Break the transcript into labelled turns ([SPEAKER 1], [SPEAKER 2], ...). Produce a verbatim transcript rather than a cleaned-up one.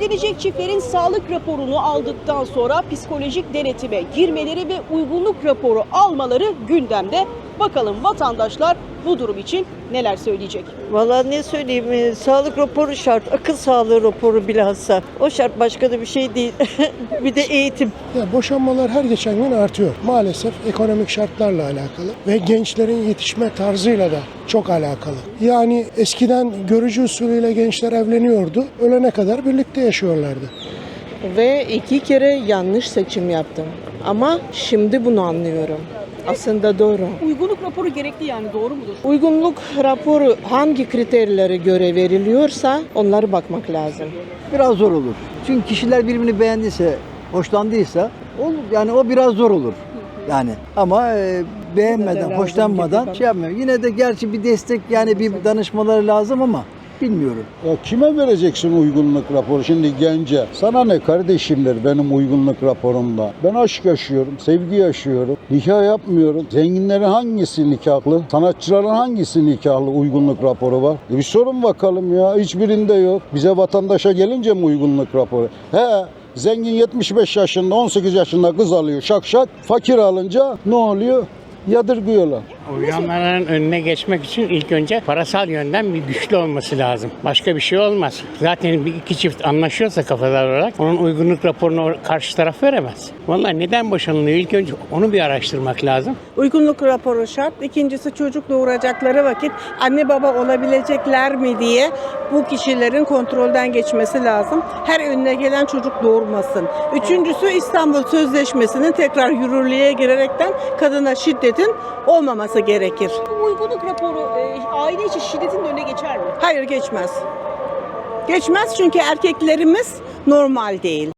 [SPEAKER 1] Evlenecek çiftlerin sağlık raporunu aldıktan sonra psikolojik denetime girmeleri ve uygunluk raporu almaları gündemde. Bakalım vatandaşlar bu durum için neler söyleyecek?
[SPEAKER 2] Vallahi ne söyleyeyim, e, sağlık raporu şart, akıl sağlığı raporu bilhassa. O şart, başka da bir şey değil. Bir de eğitim.
[SPEAKER 3] Ya boşanmalar her geçen gün artıyor. Maalesef ekonomik şartlarla alakalı ve gençlerin yetişme tarzıyla da çok alakalı. Yani eskiden görücü usulüyle gençler evleniyordu. Ölene kadar birlikte yaşıyorlardı.
[SPEAKER 4] Ve iki kere yanlış seçim yaptım. Ama şimdi bunu anlıyorum. Aslında doğru.
[SPEAKER 1] Uygunluk raporu gerekli, yani doğru mudur?
[SPEAKER 4] Uygunluk raporu hangi kriterlere göre veriliyorsa onlara bakmak lazım.
[SPEAKER 5] Biraz zor olur. Çünkü kişiler birbirini beğendiyse, hoşlandıysa olur. Yani o biraz zor olur. Yani ama e, beğenmeden,
[SPEAKER 4] lazım
[SPEAKER 5] hoşlanmadan
[SPEAKER 4] gibi
[SPEAKER 5] şey yapmıyor. Yine de gerçi bir destek, yani bir danışmaları lazım ama bilmiyorum.
[SPEAKER 6] Ya kime vereceksin uygunluk raporu? Şimdi gence. Sana ne kardeşimler benim uygunluk raporumda? Ben aşk yaşıyorum, sevgi yaşıyorum. Nikah yapmıyorum. Zenginlerin hangisi nikahlı? Sanatçıların hangisi nikahlı uygunluk raporu var? E bir sorun bakalım ya. Hiçbirinde yok. Bize vatandaşa gelince mi uygunluk raporu? He. Zengin yetmiş beş yaşında, on sekiz yaşında kız alıyor şak şak. Fakir alınca ne oluyor? Yadırgıyorlar.
[SPEAKER 7] Uyanların önüne geçmek için ilk önce parasal yönden bir güçlü olması lazım. Başka bir şey olmaz. Zaten bir iki çift anlaşıyorsa kafalar olarak onun uygunluk raporunu karşı taraf veremez. Vallahi neden boşanılıyor? İlk önce onu bir araştırmak lazım.
[SPEAKER 8] Uygunluk raporu şart. İkincisi, çocuk doğuracakları vakit anne baba olabilecekler mi diye bu kişilerin kontrolden geçmesi lazım. Her önüne gelen çocuk doğurmasın. Üçüncüsü, İstanbul Sözleşmesi'nin tekrar yürürlüğe girerekten kadına şiddetin olmaması gerekir.
[SPEAKER 1] Bu uygunluk raporu e, aile içi şiddetin önüne geçer mi?
[SPEAKER 8] Hayır, geçmez. Geçmez çünkü erkeklerimiz normal değil.